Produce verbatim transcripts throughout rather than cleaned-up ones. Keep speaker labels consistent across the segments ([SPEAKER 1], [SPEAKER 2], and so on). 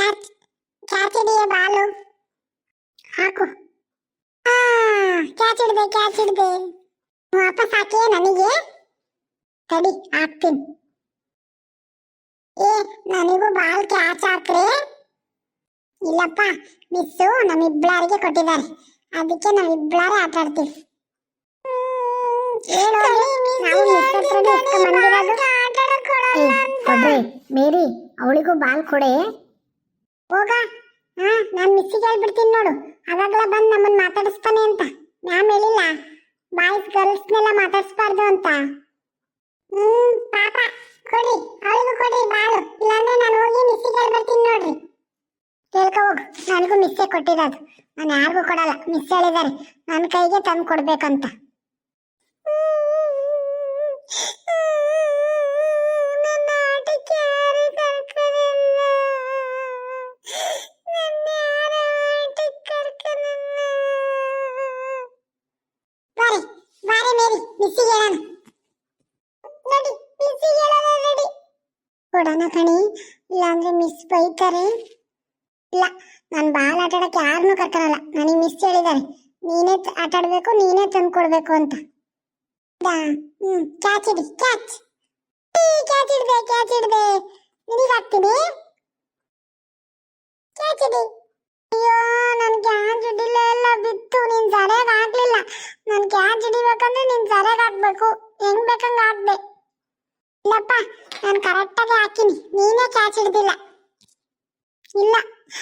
[SPEAKER 1] Catch catch ಹಿಡಿಯ Balu ಹಾಕು. ಆ catch ಹಿಡ್ದೆ ಕ್ಯಾಚ್ ಹಿಡ್ದೆ. ವಾಪಸ್ ಹಾಕಿ ನನಗೆ ತಡಿ ಹಾಕ್ತೀನಿ. ಏ ನನಗೂ ಬಾಲ್ ಕ್ಯಾಚ್ ಹಾಕ್ರೆ. ಇಲ್ಲಪ್ಪ ಮಿಸ್ಸು ನಮ್ಮಿಬ್ಬಳಾರಿಗೆ ಕೊಟ್ಟಿದ್ದಾರೆ, ಅದಕ್ಕೆ ನಾವಿಬ್ಬಳಾರೆ ಆಟ ಆಡ್ತೀವಿ. ಮೇರಿ ಅವಳಿಗೂ ಬಾಲ್ ಕೊಡೆ. ಹೋಗ. ಹಾ ನಾನು ಮಿಸ್ಸಿಗೆ ಹೇಳ್ಬಿಡ್ತೀನಿ ನೋಡು, ಅವಾಗಲೇ ಬಂದು ನಮ್ಮನ್ನು ಮಾತಾಡಿಸ್ತಾನೆ ಅಂತ. ಮ್ಯಾಮ್ ಹೇಳಿಲ್ಲ ಬಾಯ್ಸ್ ಗರ್ಲ್ಸ್ನೆಲ್ಲ ಮಾತಾಡಿಸ್ಬಾರ್ದು ಅಂತ. ಹ್ಮ್ ಪಾಪ ಕೊಡಿ, ಅವಳಿಗೂ ಕೊಡಿ ಬಾಳು, ಇಲ್ಲಾಂದ್ರೆ ನಾನು ಹೋಗಿ ಮಿಸ್ಸಿಗೆ ಹೇಳ್ಬಿಡ್ತೀನಿ ನೋಡ್ರಿ. ಕೇಳ್ಕೊ ಹೋಗು, ನನಗೂ ಮಿಸ್ಸೇ ಕೊಟ್ಟಿರೋದು, ನಾನು ಯಾರಿಗೂ ಕೊಡಲ್ಲ. ಮಿಸ್ ಹೇಳಿದ್ದಾರೆ ನನ್ನ ಕೈಗೆ ತಂದು ಕೊಡ್ಬೇಕಂತ. ಕೊಡೋಣ ಕಣಿ, ಇಲ್ಲಾಂದ್ರೆ ಮಿಸ್ ಬೈತಾರೆ. ಇಲ್ಲ, ನಾನು ಬಾಲ್ ಆಟ ಆಡಕ್ಕೆ ಯಾರನ್ನೂ ಕರ್ಕೊಳಲ್ಲ. ನನಗೆ ಮಿಸ್ ಹೇಳಿದ್ದಾರೆ ನೀನೇ ಆಟ ಆಡ್ಬೇಕು, ನೀನೇ ತಂದು ಕೊಡ್ಬೇಕು ಅಂತ. ಹ್ಮ್ ಕ್ಯಾಚ್ ಹಿಡಿ, ಕ್ಯಾಚ್ ಕ್ಯಾಚ್ ಹಿಡ್ದೆ ಕ್ಯಾಚ್ ಹಿಡ್ದೆ. ನಿನಗೆ ಹಾಕ್ತೀನಿ, ಕ್ಯಾಚ್ ಹಿಡಿ. ಅಯ್ಯೋ ನನ್ ಕ್ಯಾಚ್ ಹಿಡಿಲ್ಲ, ಎಲ್ಲ ಬಿತ್ತು. ನೀನ್ ಸರಿಯಾಗಿ ಹಾಕ್ಲಿಲ್ಲ. ನನ್ ಕ್ಯಾಚ್ ಹಿಡಿಬೇಕಂದ್ರೆ ನೀನ್ ಸರಿಯಾಗಿ ಹಾಕ್ಬೇಕು, ಹೆಂಗ್ ಬೇಕಂಗ ಹಾಕ್ದೆ. ಇಲ್ಲಪ್ಪ ನಾನು ಕರೆಕ್ಟಾಗಿ ಹಾಕಿನಿ, ನೀನೇ ಕ್ಯಾಚ್ ಹಿಡ್ದಿಲ್ಲ. ಇಲ್ಲ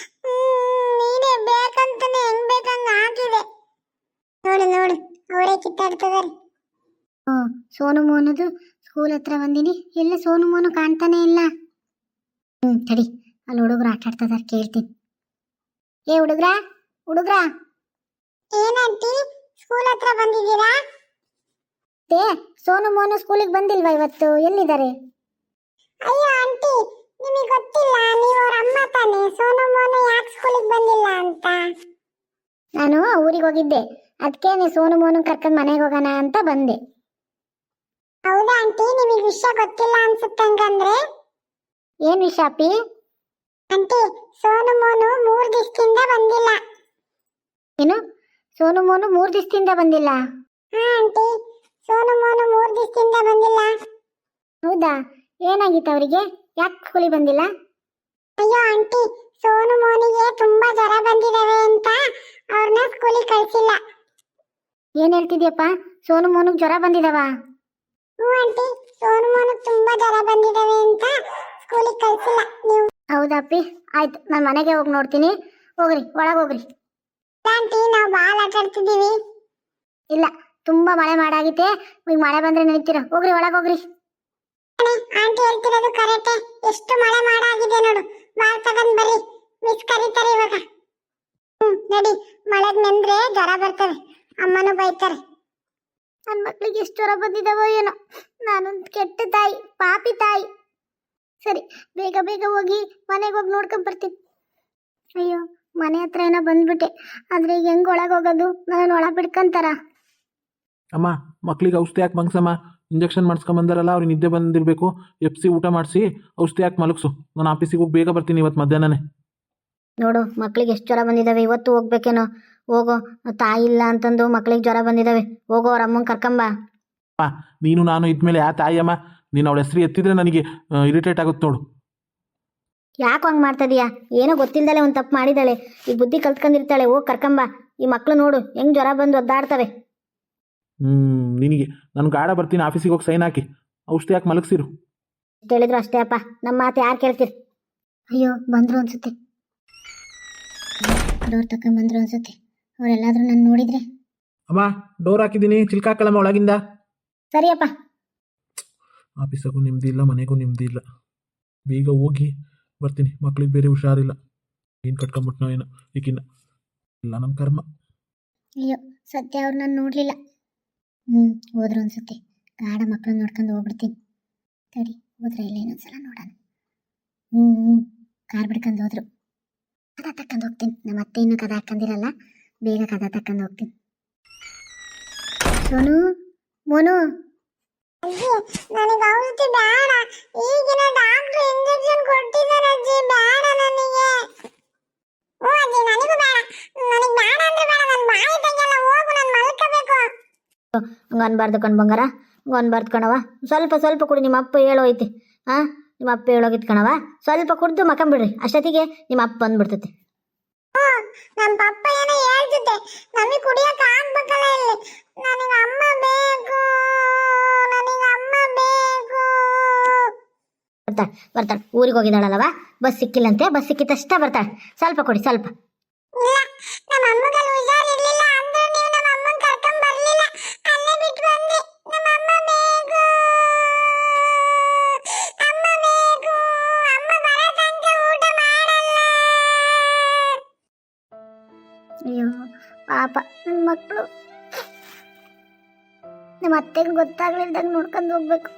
[SPEAKER 1] ನೀನೇ ಬೇಕಂತಾನೆ ಹೆಂಗ್ ಬೇಕಂಗ ಹಾಕಿದೆ. ನೋಡು ನೋಡು ಅವರೇ ಕಿತ್ತಾಡ್ತಿದಾರೆ. ಓ ಸೋನು ಮೋನದು ಸ್ಕೂಲ್ ಹತ್ರ ಬಂದಿನಿ, ಎಲ್ಲ ಸೋನು ಮೋನು ಕಾಣ್ತಾನೆ ಇಲ್ಲ. ಹ್ಮ್ ತಡಿ, ಅಲ್ಲಿ ಹುಡುಗರು ಆಟ ಆಡ್ತಿದಾರೆ, ಕೇಳ್ತೀನಿ. ಏ ಹುಡುಗ್ರ ಹುಡುಗ್ರ ಏನಂತಿ ಸ್ಕೂಲ್ ಹತ್ರ ಬಂದಿದ್ದೀರಾ? ಏ ಸೋನು ಮೋನು ಸ್ಕೂಲಿಗೆ ಬಂದಿಲ್ವಾ ಇವತ್ತು, ಎಲ್ಲಿದ್ದಾರೆ? ಅಯ್ಯೋ ಆಂಟಿ ನಿಮಗೆ ಗೊತ್ತಿಲ್ಲ, ನೀವು ಅವ್ರ ಅಮ್ಮ ತಾನೆ. ಸೋನು ಮೋನು ಯಾಕೆ ಸ್ಕೂಲಿಗೆ ಬಂದಿಲ್ಲ ಅಂತ. ನಾನು ಊರಿಗೆ ಹೋಗಿದ್ದೆ, ಅದಕ್ಕೆ ನೀವು ಸೋನು ಮೋನು ಕರ್ಕೊಂಡು ಮನೆಗೆ ಹೋಗೋಣ ಅಂತ ಬಂದೆ. ಹೌದಾ ಆಂಟಿ, ನಿಮಗೆ ವಿಷಯ ಗೊತ್ತಿಲ್ಲ ಅನ್ಸುತ್ತೆ. ಹಂಗಂದ್ರೆ ಏನ್ ವಿಷಯ ಅಪ್ಪಿ? ಆಂಟಿ ಸೋನು ಮೋನು ಮೂರು ದಿವಸದಿಂದ ಬಂದಿಲ್ಲ. ಏನು ಸೋನು ಮೋನು ಮೂರು ದಿವಸದಿಂದ ಬಂದಿಲ್ಲ? ಹಾ ಆಂಟಿ, ಸೋನು ಮೋನು ಮೂರು ದಿವಸದಿಂದ ಬಂದಿಲ್ಲ. ಹೌದಾ, ಏನಾಗಿತ್ತು ಅವರಿಗೆ, ಯಾಕೆ ಸ್ಕೂಲಿಗೆ ಬಂದಿಲ್ಲ? ಅಯ್ಯೋ ಆಂಟಿ, ಸೋನು ಮೋನಿಗೆ ತುಂಬಾ ಜ್ವರ ಬಂದಿದಾವೆ ಅಂತ ಅವ್ರನ್ನ ಸ್ಕೂಲಿಗೆ ಕಳಿಸಿಲ್ಲ. ಏನ್ ಹೇಳ್ತಿದ್ಯಪ್ಪ, ಸೋನು ಮೋನಿಗೆ ಜ್ವರ ಬಂದಿದಾವ? ಹ್ಞೂ ಆಂಟಿ, ಸೋನು ಮೋನಿಗೆ ತುಂಬಾ ಜ್ವರ ಬಂದಿದಾವೆ ಅಂತ ಸ್ಕೂಲಿಗೆ ಕಳಿಸಿಲ್ಲ. ನೀವು ಹೌದಪ್ಪಿ, ಆಯ್ತು ನಾನು ಮನೆಗೆ ಹೋಗಿ ನೋಡ್ತೀನಿ. ಹೋಗ್ರಿ ಒಳಗೆ ಹೋಗ್ರಿ. ಆಂಟಿ ನಾವು ಬಾಲ್ ಆಟ ಆಡ್ತಿದ್ದೀವಿ. ಇಲ್ಲ ತುಂಬಾ ಮಳೆ ಮಾಡಾಗಿದೆ, ಈಗ ಮಳೆ ಬಂದ್ರೆ ನಡೀತೀರಾ, ಹೋಗ್ರಿ ಒಳಗೆ ಹೋಗ್ರಿ. ಆಂಟಿ ಹೇಳ್ತಿರೋದು ಕರೆಕ್ಟೇ, ಎಷ್ಟು ಮಳೆ ಮಾಡಾಗಿದೆ ನೋಡು. ಬಾಲ್ ತಗೊಂಡ್ ಬರ್ರಿ, ಮಿಸ್ ಕರೀತಾರೆ ಇವಾಗ. ಹ್ಮ್ ನಡಿ, ಮಳೆಗ್ ನೆಂದ್ರೆ ಜ್ವರ ಬರ್ತವೆ, ಅಮ್ಮನೂ ಬೈತಾರೆ. ನನ್ನ ಮಕ್ಳಿಗೆ ಎಷ್ಟು ಜ್ವರ ಬಂದಿದ್ದಾವೋ ಏನೋ, ನಾನೊಂದು ಕೆಟ್ಟ ತಾಯಿ, ಪಾಪಿ ತಾಯಿ. ಸರಿ ಬೇಗ ಬೇಗ ಹೋಗಿ ಮನೆಗೆ ಹೋಗಿ ನೋಡ್ಕೊಂಡ್ ಬರ್ತೀನಿ. ಅಯ್ಯೋ ಮನೆ ಹತ್ರ ಏನೋ ಬಂದ್ಬಿಟ್ಟೆ, ಆದ್ರೆ ಈಗ ಹೆಂಗ್ ಒಳಗೆ ಹೋಗೋದು, ನಾನು ಒಳ ಬಿಡ್ಕಂತಾರ.
[SPEAKER 2] ಅಮ್ಮ ಮಕ್ಳಿಗೆ ಔಷಧಿ ಹಾಕಿ ಮಂಗ್ಸಮ್ಮ, ಇಂಜೆಕ್ಷನ್ ಮಾಡಿಸ್ಕೊಂಬಂದಾರಲ್ಲ ಅವ್ರಿಗೆ ನಿದ್ದೆ ಬಂದಿರಬೇಕು. ಎಫ್ ಸಿ ಊಟ ಮಾಡಿಸಿ ಔಷಧಿ ಹಾಕಿ ಮಲಗಿಸು, ನಾನು ಆಫೀಸಿಗೆ ಹೋಗಿ ಬೇಗ ಬರ್ತೀನಿ ಇವತ್ತು ಮಧ್ಯಾಹ್ನನೇ.
[SPEAKER 1] ನೋಡು ಮಕ್ಳಿಗೆ ಎಷ್ಟು ಜ್ವರ ಬಂದಿದ್ದಾವೆ, ಇವತ್ತು ಹೋಗ್ಬೇಕೇನೋ. ಹೋಗೋ, ತಾಯಿ ಇಲ್ಲ ಅಂತಂದು ಮಕ್ಳಿಗೆ ಜ್ವರ ಬಂದಿದ್ದಾವೆ, ಹೋಗೋ ಅವ್ರ ಅಮ್ಮಂಗೆ ಕರ್ಕೊಂಬ.
[SPEAKER 2] ಅಮ್ಮ ನೀನು ನಾನು ಇದ್ಮೇಲೆ ಯಾ ತಾಯಿಯಮ್ಮ, ನೀನು ಅವಳ ಹೆಸರು ಎತ್ತಿದ್ರೆ ನನಗೆ ಇರಿಟೇಟ್ ಆಗುತ್ತೆ ನೋಡು.
[SPEAKER 1] ಯಾಕೆ ಹಂಗೆ ಮಾಡ್ತದೀಯಾ, ಏನೋ ಗೊತ್ತಿಲ್ಲದಲೆ ಒಂದು ತಪ್ಪು ಮಾಡಿದಾಳೆ, ಈ ಬುದ್ಧಿ ಕಲ್ತ್ಕೊಂಡಿರ್ತಾಳೆ. ಹೋಗಿ ಕರ್ಕೊಂಬ, ಈ ಮಕ್ಳು ನೋಡು ಹೆಂಗೆ ಜ್ವರ ಬಂದು ಒದ್ದಾಡ್ತವೆ.
[SPEAKER 2] ಹ್ಞೂ ನಿನಗೆ ನಾನು ಗಾಢ ಬರ್ತೀನಿ, ಆಫೀಸಿಗೆ ಹೋಗಿ ಸೈನ್ ಹಾಕಿ ಔಷಧಿ ಹಾಕಿ ಮಲಗಿಸಿರು.
[SPEAKER 1] ಎಷ್ಟು ಹೇಳಿದ್ರು ಅಷ್ಟೇ ಅಪ್ಪ, ನಮ್ಮ ಮಾತು ಯಾರು ಕೇಳ್ತೀರಿ. ಅಯ್ಯೋ ಬಂದರು ಅನ್ಸುತ್ತೆ, ಡೋರ್ ತಕೊಂಡ್ ಬಂದರು ಅನ್ಸುತ್ತೆ. ಅವರೆಲ್ಲಾದ್ರೂ ನಾನು ನೋಡಿದ್ರೆ.
[SPEAKER 2] ಅಮ್ಮ ಡೋರ್ ಹಾಕಿದ್ದೀನಿ, ಚಿಲ್ಕ ಹಾಕಲ್ಲಮ್ಮ ಒಳಗಿಂದ.
[SPEAKER 1] ಸರಿಯಪ್ಪ.
[SPEAKER 2] ಆಫೀಸಾಗೂ ನೆಮ್ಮದಿ ಇಲ್ಲ, ಮನೆಗೂ ನೆಮ್ಮದಿ ಇಲ್ಲ. ಬೇಗ ಹೋಗಿ ಬರ್ತೀನಿ, ಮಕ್ಳಿಗೆ ಬೇರೆ ಹುಷಾರಿಲ್ಲ. ಏನು ಕಟ್ಕೊಂಬಿಟ್ನೋ ಏನೋ ಈಗಿನ್ನ, ಇಲ್ಲ ನಮ್ಮ ಕರ್ಮ.
[SPEAKER 1] ಅಯ್ಯೋ ಸತ್ಯ ಅವ್ರು ನಾನು ನೋಡಲಿಲ್ಲ. ಹ್ಞೂ ಹೋದ್ರು ಅನ್ಸುತ್ತೆ, ಗಾಢ ಮಕ್ಕಳನ್ನ ನೋಡ್ಕೊಂಡು ಹೋಗ್ಬಿಡ್ತೀನಿ. ಸರಿ ಹೋದ್ರೆ ಇಲ್ಲ ಇನ್ನೊಂದ್ಸಲ ನೋಡೋಣ. ಹ್ಞೂ ಹ್ಞೂ ಕಾರ್ ಬಿಡ್ಕೊಂಡು ಹೋದ್ರು. ಕದ ತಕ್ಕಂಡು ಹೋಗ್ತೀನಿ, ನಮ್ಮ ಅತ್ತೆ ಇನ್ನೂ ಕದ ಹಾಕೊಂಡಿರಲ್ಲ, ಬೇಗ ಕದ ತಕ್ಕಂಡು ಹೋಗ್ತೀನಿ. ಸೋನು ಮೋನು, ನನಗೆ ಔಷಧಿ ಬೇಡ, ಈಗಿನ ಡಾಕ್ಟರ್ ಇಂಜೆಕ್ಷನ್ ಕೊಟ್ಟಿದ್ದಾರೆ ಅಜ್ಜಿ, ಬೇಡ ನನಗೆ.
[SPEAKER 3] ಹಂಗೆ ಅನ್ಬಾರ್ದು ಕಣ್ ಬಂಗಾರ, ಹಂಗೆ ಅನ್ಬಾರ್ದು ಕಣವ. ಸ್ವಲ್ಪ ಸ್ವಲ್ಪ ಕುಡಿ, ನಿಮ್ಮ ಅಪ್ಪ ಹೇಳೋಯ್ತಿ. ಹಾಂ, ನಿಮ್ಮ ಅಪ್ಪ ಹೇಳೋಗಿತ್ತು ಕಣವ. ಸ್ವಲ್ಪ ಕುಡ್ದು ಮಕ್ಕಂಬಿಡ್ರಿ, ಅಷ್ಟೊತ್ತಿಗೆ ನಿಮ್ಮ ಅಪ್ಪ ಬಂದ್ಬಿಡ್ತೈತಿ.
[SPEAKER 1] ನಮ್ಮ ಪಪ್ಪ ಏನೋ ಹೇಳ್ತಿದ್ದೆ, ನಮಗೆ ಕುಡಿಯಕ್ಕೆ ಆಗ್ಬೇಕಲ್ಲ ಇಲ್ಲಿ. ನನಗೆ ಅಮ್ಮ ಬೇಕು, ನನಗೆ ಅಮ್ಮ ಬೇಕು.
[SPEAKER 3] ಬರ್ತಾಳೆ ಬರ್ತಾಳೆ, ಊರಿಗೆ ಹೋಗಿದ್ದಾಳಲ್ಲವ, ಬಸ್ ಸಿಕ್ಕಿಲ್ಲಂತೆ. ಬಸ್ ಸಿಕ್ಕಿತಷ್ಟ ಬರ್ತಾಳೆ. ಸ್ವಲ್ಪ ಕೊಡಿ ಸ್ವಲ್ಪ.
[SPEAKER 1] ಇಲ್ಲ, ನಮ್ಮ ಅಮ್ಮಗೆ ಹುಷಾರಿರ್ಲಿಲ್ಲ ಅಂದ್ರೆ ನೀವು ನಮ್ಮ ಅಮ್ಮನ ಕರ್ಕೊಂಡ್ ಬರ್ಲಿಲ್ಲ, ಅಲ್ಲೇ ಬಿಟ್ಟು ಬಂದೆ. ನಮ್ಮ ಅಮ್ಮ ಬೇಕು, ಅಮ್ಮ ಬೇಕು, ಅಮ್ಮ ಬರೋ ತನಕ ಊಟ ಮಾಡಲ್ಲ.
[SPEAKER 3] ಅಯ್ಯೋ ಪಾಪ ನನ್ನ ಮಕ್ಕಳು. ನಮ್ಮ ಅತ್ತೆಗೆ ಗೊತ್ತಾಗ್ಲಿಲ್ದಂಗೆ ನೋಡ್ಕೊಂಡು ಹೋಗ್ಬೇಕು.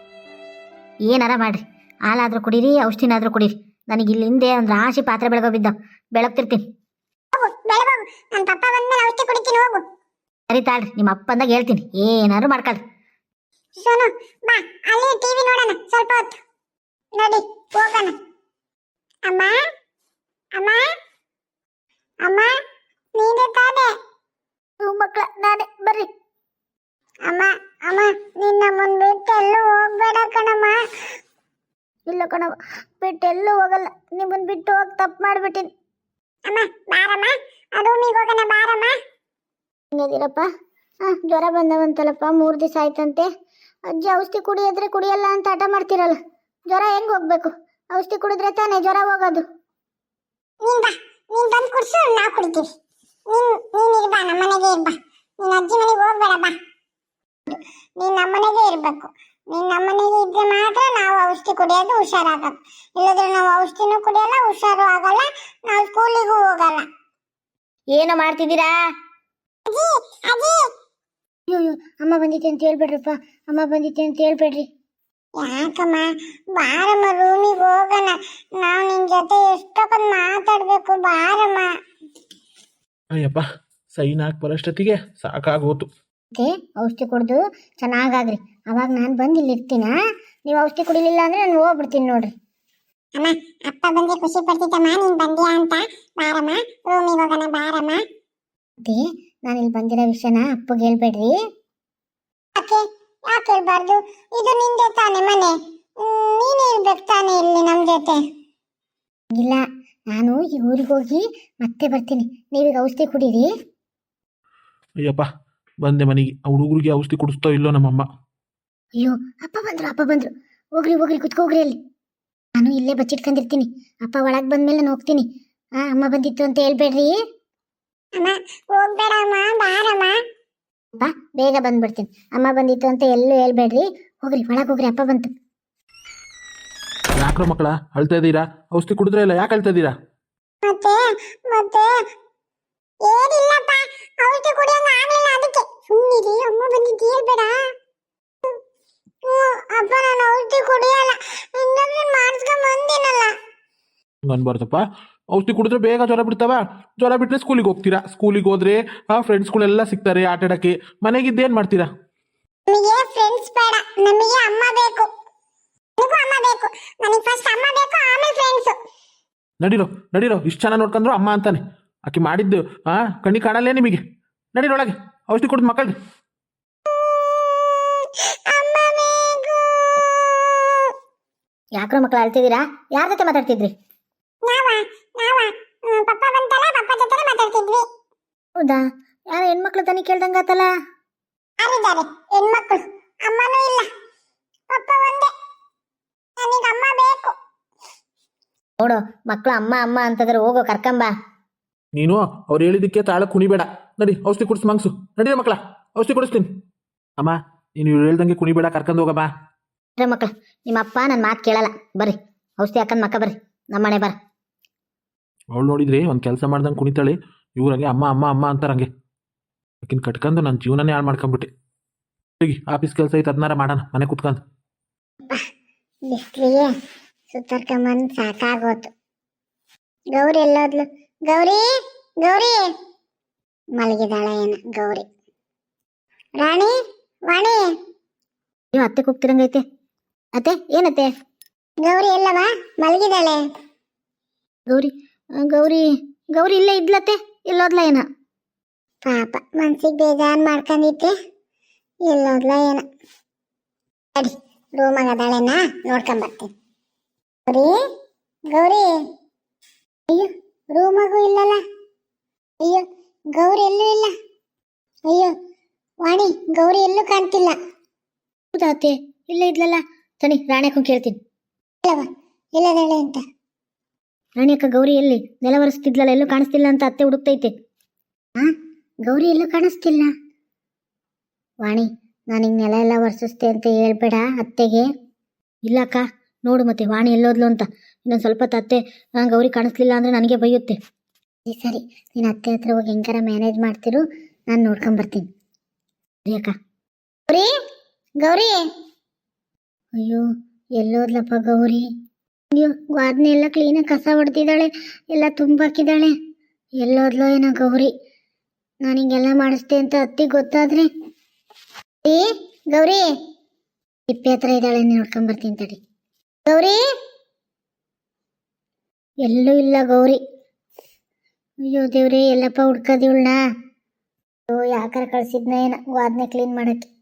[SPEAKER 3] ಏನಾರ ಮಾಡ್ರಿ, ಹಾಲಾದ್ರೂ ಕುಡೀರಿ, ಔಷಧಿನಾದ್ರೂ ಕುಡೀರಿ. ನನಗೆ ಇಲ್ಲಿ ಹಿಂದೆ ಒಂದು ರಾಶಿ ಪಾತ್ರೆ ಬೆಳಗೋ ಬಿದ್ದ, ಬೆಳಗ್ತಿರ್ತೀನಿ.
[SPEAKER 1] ಹೋಗು ಬೆಳಗೋಗು, ನನ್ನ ಪಪ್ಪ ಬಂದ್ಮೇಲೆ ಔಷಧಿ ಕುಡಿತೀನಿ, ಹೋಗು.
[SPEAKER 3] ಸರಿ ತಾಳ್ರಿ, ನಿಮ್ಮ ಅಪ್ಪಂದಾಗ ಹೇಳ್ತೀನಿ, ಏನಾದ್ರು ಮಾಡ್ಕೊಳ್ರಿ.
[SPEAKER 1] ಸೋನು ಬಾ, ಅಲ್ಲಿ ಟಿವಿ ನೋಡೋಣ ಸ್ವಲ್ಪ ಹೊತ್ತು. ನಡಿ ಹೋಗೋಣ. ಅಮ್ಮ ಅಮ್ಮ ಅಮ್ಮ, ನೀನೇ ತಾನೆ?
[SPEAKER 3] ಮಕ್ಕಳ ನಾನೇ, ಬರ್ರಿ.
[SPEAKER 1] ಅಮ್ಮ ಅಮ್ಮ, ನಿನ್ನ ಮುಂದ್ಬಿಟ್ಟು ಎಲ್ಲೂ ಹೋಗ್ಬೇಡ ಕಣಮ್ಮ.
[SPEAKER 3] ಇಲ್ಲ ಕಣವ, ಬಿಟ್ಟು ಎಲ್ಲೂ ಹೋಗಲ್ಲ. ನಿಮ್ಮನ್ನು ಬಿಟ್ಟು ಹೋಗಿ ತಪ್ಪು ಮಾಡಿಬಿಟ್ಟಿನಿ.
[SPEAKER 1] ಅಮ್ಮ ಬಾರಮ್ಮ, ರೂಮಿಗೆ ಹೋಗೋಣ ಬಾರಮ್ಮ.
[SPEAKER 3] ಹಿಂಗದಿರಪ್ಪ, ಹಾಂ ಜ್ವರ ಬಂದವಂತಲ್ಲಪ್ಪ, ಮೂರು ದಿವಸ ಆಯ್ತಂತೆ. ಅಜ್ಜಿ ಔಷಧಿ ಕುಡಿಯೋದ್ರೆ ಕುಡಿಯಲ್ಲ ಅಂತ ಹಠ ಮಾಡ್ತಿರಲ್ಲ, ಜ್ವರ ಹೆಂಗೆ ಹೋಗ್ಬೇಕು? ಔಷಧಿ ಕುಡಿದ್ರೆ ತಾನೇ ಜ್ವರ ಹೋಗೋದು.
[SPEAKER 1] ನೀನ್ ಬಾ, ನೀನ್ ಬಂದು ಕುಡ್ಸು, ನಾವು ಕುಡಿತೀವಿ. ನೀನ್ ನೀನ್ ಇರ್ಬಾ, ನಮ್ಮ ಮನೆಗೆ ಇರ್ಬಾ. ನೀನ್ ಅಜ್ಜಿ ಮನೆಗೆ ಹೋಗ್ಬೇಡ ಬಾ. ನೀನ್ ನಮ್ಮನೆಗೆ ಇರ್ಬೇಕು. ನೀನ್ ನಮ್ಮನೆಗೆ ಇದ್ರೆ ಮಾತ್ರ ನಾವು ಔಷಧಿ ಕುಡಿಯೋದು, ಹುಷಾರಾಗೋದು. ಇಲ್ಲದ್ರೆ ನಾವು ಔಷಧಿನೂ ಕುಡಿಯಲ್ಲ, ಹುಷಾರು ಆಗಲ್ಲ, ನಾವು ಸ್ಕೂಲಿಗೂ ಹೋಗಲ್ಲ.
[SPEAKER 3] ಏನೋ ಮಾಡ್ತಿದ್ದೀರಾ?
[SPEAKER 1] ಅಜ್ಜಿ ಅಜ್ಜಿ,
[SPEAKER 3] ಅಯ್ಯೋ ಅಮ್ಮ ಬಂದಿತ್ತೆ ಅಂತ ಹೇಳ್ಬೇಡ್ರಪ್ಪ, ಅಮ್ಮ ಬಂದಿತ್ತೆ ಅಂತ ಹೇಳ್ಬೇಡ್ರಿ.
[SPEAKER 1] ಯಾಕಮ್ಮ, ಬಾರಮ್ಮ ರೂಮಿಗೆ ಹೋಗೋಣ. ನಾವು ನಿನ್ ಜೊತೆ ಎಷ್ಟೊಂದು ಮಾತಾಡ್ಬೇಕು, ಬಾರಮ್ಮ.
[SPEAKER 2] ಅಯ್ಯಪ್ಪ, ಸೈನ್ ಹಾಕಿ ಬರೋಷ್ಟೊತ್ತಿಗೆ ಸಾಕಾಗೋತು.
[SPEAKER 3] ಮತ್ತೆ ಔಷಧಿ ಕುಡ್ದು ಚೆನ್ನಾಗಾಗ್ರಿ, ಅವಾಗ ನಾನು ಬಂದು ಇಲ್ಲಿ ಇರ್ತೀನ. ನೀವು ಔಷಧಿ ಕುಡಿಲಿಲ್ಲ ಅಂದ್ರೆ ನಾನು ಹೋಗ್ಬಿಡ್ತೀನಿ ನೋಡ್ರಿ.
[SPEAKER 1] ಅಮ್ಮ, ಅಪ್ಪ ಬಂದ್ರೆ ಖುಷಿ ಪಡ್ತಿದ್ದಮ್ಮ, ನೀನ್ ಬಂದ್ಯಾ ಅಂತ. ಬಾರಮ್ಮ ರೂಮಿಗೆ ಹೋಗೋಣ, ಬಾರಮ್ಮ.
[SPEAKER 3] ಮತ್ತೆ ನಾನು ಇಲ್ಲಿ ಬಂದಿರೋ ವಿಷಯನ ಅಪ್ಪಗೆ ಹೇಳ್ಬೇಡ್ರಿ.
[SPEAKER 1] ಯಾಕೆ ಯಾಕೆ ಹೇಳ್ಬಾರ್ದು? ಇದು ನಿಂದೆ ತಾನೆ ಮನೆ, ನೀನೇ ಇರ್ಬೇಕು ತಾನೆ ಇಲ್ಲಿ ನಮ್ ಜೊತೆ.
[SPEAKER 3] ಇಲ್ಲ, ನಾನು ಈ ಊರಿಗೆ ಹೋಗಿ ಮತ್ತೆ ಬರ್ತೀನಿ, ನೀವೀಗ ಔಷಧಿ ಕುಡೀರಿ.
[SPEAKER 2] ಅಯ್ಯಪ್ಪ, ಬಂದೆ ಮನೆಗೆ. ಆ ಹುಡುಗರಿಗೆ ಔಷಧಿ ಕುಡಿಸ್ತೋ ಇಲ್ಲೋ ನಮ್ಮಮ್ಮ.
[SPEAKER 3] ಅಯ್ಯೋ ಅಪ್ಪ ಬಂದ್ರು, ಅಪ್ಪ ಬಂದ್ರು. ಹೋಗ್ರಿ ಹೋಗ್ರಿ, ಕುತ್ಕೋಗ್ರಿ ಅಲ್ಲಿ. ನಾನು ಇಲ್ಲೇ ಬಚ್ಚಿಟ್ಕೊಂಡಿರ್ತೀನಿ. ಅಪ್ಪ ಒಳಗೆ ಬಂದ್ಮೇಲೆ ನಾನು ಹೋಗ್ತೀನಿ. ಹಾಂ, ಅಮ್ಮ ಬಂದಿತ್ತು ಅಂತ ಹೇಳ್ಬೇಡ್ರಿ.
[SPEAKER 1] ಅಮ್ಮ ಹೋಗ್ಬೇಡಮ್ಮ, ಬಾರಮ್ಮ.
[SPEAKER 3] ಅಪ್ಪ ಬೇಗ ಬಂದ್ಬಿಡ್ತೀನಿ. ಅಮ್ಮ ಬಂದಿತ್ತು ಅಂತ ಎಲ್ಲೂ ಹೇಳ್ಬೇಡ್ರಿ. ಹೋಗ್ರಿ ಒಳಗೆ ಹೋಗ್ರಿ, ಅಪ್ಪ ಬಂತು.
[SPEAKER 2] ಯಾಕ್ರೋ ಮಕ್ಕಳ ಅಳ್ತಾ ಇದ್ದೀರಾ? ಔಷಧಿ ಕುಡಿದ್ರೆ ಇಲ್ಲ, ಯಾಕೆ ಅಳ್ತಾ ಇದ್ದೀರಾ?
[SPEAKER 1] ಮತ್ತೆ ಮತ್ತೆ ಏನಿಲ್ಲಪ್ಪ, ಔಷಧಿ ಕುಡಿಯಂಗ ಆಗ್ಲಿಲ್ಲ, ಅದಕ್ಕೆ ಸುಮ್ಮನಿರಿ. ಅಮ್ಮ ಬಂದಿದ್ದು ಹೇಳ್ಬೇಡ. ಅಪ್ಪ ನಾನು ಔಷಧಿ ಕುಡಿಯಲ್ಲ, ಇಂಜೆಕ್ಷನ್ ಮಾಡಿಸ್ಕೊಂಡ್ ಬಂದಿನಲ್ಲ.
[SPEAKER 2] ಅನ್ಬಾರ್ದಪ್ಪ, ಔಷಧಿ ಕುಡಿದ್ರೆ ಬೇಗ ಜ್ವರ ಬಿಡ್ತಾವ. ಜ್ವರ ಬಿಟ್ಟರೆ ಸ್ಕೂಲಿಗೆ ಹೋಗ್ತೀರಾ. ಸ್ಕೂಲಿಗೆ ಹೋದ್ರೆ ಆ ಫ್ರೆಂಡ್ಸ್ಗಳೆಲ್ಲ ಸಿಗ್ತಾರೆ ಆಟ ಆಡೋಕ್ಕೆ. ಮನೆಗಿದ್ದೇನು ಮಾಡ್ತೀರಾ?
[SPEAKER 1] ನಮಗೆ ಫ್ರೆಂಡ್ಸ್ ಬೇಡ, ನಮಗೆ ಅಮ್ಮ ಬೇಕು. ನನಗೂ ಅಮ್ಮ ಬೇಕು. ನನಗೆ ಫಸ್ಟ್ ಅಮ್ಮ ಬೇಕು, ಆಮೇಲೆ ಫ್ರೆಂಡ್ಸ್.
[SPEAKER 2] ನಡೀರೋ ನಡೀರೋ, ಇಷ್ಟು ಚೆನ್ನಾಗಿ ನೋಡ್ಕೊಂಡ್ರು ಅಮ್ಮ ಅಂತಾನೆ. ಆಕೆ ಮಾಡಿದ್ದು ಆ ಕಣ್ಣಿ ಕಾಣಲ್ಲೇ ನಿಮಗೆ. ನಡೀರೊಳಗೆ, ಔಷಧಿ ಕುಡಿದು ಮಕ್ಕಳಿಗೆ.
[SPEAKER 1] ಅಮ್ಮ ಬೇಕು.
[SPEAKER 3] ಯಾಕ್ರೋ ಮಕ್ಕಳು ಅಳ್ತಿದ್ದೀರಾ? ಯಾರ ಜೊತೆ ಮಾತಾಡ್ತಿದ್ರಿ?
[SPEAKER 1] ನಾವ ನಾವ ಪಪ್ಪ ಬಂತಲ್ಲ, ಪಪ್ಪ ಜೊತೆ ಮಾತಾಡ್ತಿದ್ವಿ.
[SPEAKER 3] ಹೌದಾ? ಯಾರ ಹೆಣ್ಮಕ್ಳು ತಾನೇ ಕೇಳ್ದಂಗಾತಲ್ಲ?
[SPEAKER 1] ಯಾರಿದ್ದಾರೆ ಹೆಣ್ಮಕ್ಳು? ಅಮ್ಮನೂ ಇಲ್ಲ, ಪಪ್ಪ ಒಂದೇ. ನನಗೆ ಅಮ್ಮ ಬೇಕು.
[SPEAKER 3] ನೋಡು, ಮಕ್ಕಳು ಅಮ್ಮ ಅಮ್ಮ ಅಂತಂದ್ರೆ ಹೋಗೋ, ಕರ್ಕಂಬ.
[SPEAKER 2] ನೀನು ಅವ್ರು ಹೇಳಿದ್ದಕ್ಕೆ ತಾಳ ಕುಣಿಬೇಡ. ನಡಿ, ಔಷಧಿ ಕುಡಿಸ್ ಮಂಗ್ಸು. ನಡೀರಿ ಮಕ್ಕಳ, ಔಷಧಿ ಕುಡಿಸ್ತೀನಿ. ಅಮ್ಮ, ನೀನು ಇವ್ರು ಹೇಳ್ದಂಗೆ ಕುಣಿಬೇಡ, ಕರ್ಕೊಂಡು ಹೋಗಮ್ಮ.
[SPEAKER 3] ಮಕ್ಕಳು, ನಿಮ್ಮ ಅಪ್ಪ ನನ್ನ ಮಾತು ಕೇಳಲ್ಲ. ಬರ್ರಿ, ಔಷಧಿ ಹಾಕಂದು ಮಕ್ಕ ಬರ್ರಿ, ನಮ್ಮ ಮನೆ ಬರ.
[SPEAKER 2] ಅವಳು ನೋಡಿದ್ರಿ ಒಂದು ಕೆಲಸ ಮಾಡ್ದಂಗೆ ಕುಣಿತಾಳೆ. ಇವ್ರಂಗೆ ಅಮ್ಮ ಅಮ್ಮ ಅಮ್ಮ ಅಂತಾರಂಗೆ. ಆಕಿನ ಕಟ್ಕೊಂಡು ನನ್ನ ಜೀವನನೇ ಹಾಳು ಮಾಡ್ಕೊಂಬಿಟ್ಟೆ. ಹೋಗಿ ಆಫೀಸ್ ಕೆಲಸ ಐತೆ, ಅದನ್ನಾರ ಮಾಡೋಣ ಮನೆ ಕುತ್ಕೊಂಡು.
[SPEAKER 1] ಬಿಸ್ಲಿಗೆ ಸುತ್ತರ್ಕೊಂಬಂದು ಸಾಕಾಗೋತು. ಗೌರಿ ಎಲ್ಲೋದ್ಲು? ಗೌರಿ ಗೌರಿ ಮಲಗಿದಾಳ ಏನ ಗೌರಿ? ರಾಣಿ ವಾಣಿ,
[SPEAKER 3] ನೀವು ಅತ್ತೆ ಕೂಗ್ತಿರಂಗೈತೆ. ಅತ್ತೆ ಏನತ್ತೆ?
[SPEAKER 1] ಗೌರಿ ಎಲ್ಲವ? ಮಲಗಿದಾಳೆ.
[SPEAKER 3] ಗೌರಿ ಗೌರಿ ಗೌರಿ ಇಲ್ಲೇ ಇದ್ಲತ್ತೆ, ಎಲ್ಲೋದ್ಲ ಏನ?
[SPEAKER 1] ಪಾಪ ಮನ್ಸಿಗೆ ಬೇಜಾರು ಮಾಡ್ಕೊಂಡಿದ್ದೆ. ಎಲ್ಲೋದ್ಲ ಏನ ಅಡಿ ರೂಮಾಗ ಅದಾಳೆನ ನೋಡ್ಕೊಂಬರ್ತೀನಿ. ಗೌರಿ ಗೌರಿ ಅಯ್ಯೋ ರೂಮಾಗೂ ಇಲ್ಲಲ್ಲ. ಅಯ್ಯೋ ಗೌರಿ ಎಲ್ಲೂ ಇಲ್ಲ. ಅಯ್ಯೋ ವಾಣಿ ಗೌರಿ ಎಲ್ಲೂ ಕಾಣ್ತಿಲ್ಲ.
[SPEAKER 3] ಹೌದಾ ಅತ್ತೆ? ಇಲ್ಲೇ ಇದ್ಲಲ್ಲ. ತನಿ ರಾಣೆಕ್ಕ ಕೇಳ್ತೀನಿ.
[SPEAKER 1] ಇಲ್ಲವ ಇಲ್ಲದಾಳೆ ಅಂತ.
[SPEAKER 3] ರಾಣಿಯಕ್ಕ ಗೌರಿ ಎಲ್ಲಿ? ನೆಲ ಒರೆಸ್ತಿದ್ಲಲ್ಲ, ಎಲ್ಲೂ ಕಾಣಿಸ್ತಿಲ್ಲ ಅಂತ ಅತ್ತೆ ಹುಡುಕ್ತೈತೆ. ಹಾ ಗೌರಿ ಎಲ್ಲೂ ಕಾಣಿಸ್ತಿಲ್ಲ. ವಾಣಿ ನಾನು ಹಿಂಗೆ ನೆಲ ಎಲ್ಲ ಒರೆಸಿಸ್ತೆ ಅಂತ ಹೇಳ್ಬೇಡ ಅತ್ತೆಗೆ. ಇಲ್ಲಕ್ಕ ನೋಡು ಮತ್ತೆ ವಾಣಿ ಎಲ್ಲೋದ್ಲು ಅಂತ. ಇನ್ನೊಂದು ಸ್ವಲ್ಪ ಹೊತ್ತು ಅತ್ತೆ ನಾನು ಗೌರಿ ಕಾಣಿಸ್ಲಿಲ್ಲ ಅಂದರೆ ನನಗೆ ಬೈಯುತ್ತೆ. ಸರಿ ಸರಿ ನೀನು ಅತ್ತೆ ಹತ್ರ ಹೋಗಿ ಹೆಂಗಾರ ಮ್ಯಾನೇಜ್ ಮಾಡ್ತಿರು, ನಾನು ನೋಡ್ಕೊಂಬರ್ತೀನಿ. ಸರಿ ಅಕ್ಕ. ಗೌರಿ ಗೌರಿ ಅಯ್ಯೋ ಎಲ್ಲೋದ್ಲಪ್ಪ ಗೌರಿ? ಅಯ್ಯೋ ವಾದ್ನೆ ಎಲ್ಲ ಕ್ಲೀನಾಗಿ ಕಸ ಹೊಡೆದಿದ್ದಾಳೆ, ಎಲ್ಲ ತುಂಬಾಕಿದ್ದಾಳೆ. ಎಲ್ಲೋದ್ಲೋ ಏನೋ ಗೌರಿ? ನಾನು ಹಿಂಗೆಲ್ಲ ಮಾಡಿಸ್ತೆ ಅಂತ ಅತ್ತಿಗೆ ಗೊತ್ತಾದ್ರೆ? ಏ ಗೌರಿ ತಿಪ್ಪೆ ಹತ್ರ ಇದ್ದಾಳೆ, ನೋಡ್ಕೊಂಬರ್ತೀನಿ ತಡಿ. ಗೌರಿ ಎಲ್ಲೂ ಇಲ್ಲ ಗೌರಿ. ಅಯ್ಯೋ ದೇವ್ರಿ ಎಲ್ಲಪ್ಪ ಹುಡ್ಕದಿವಳನ್ನ? ಅಯ್ಯೋ ಯಾಕಾರ ಕಳ್ಸಿದ್ನ ಏನ ವಾದ್ನೆ ಕ್ಲೀನ್ ಮಾಡಕ್ಕೆ.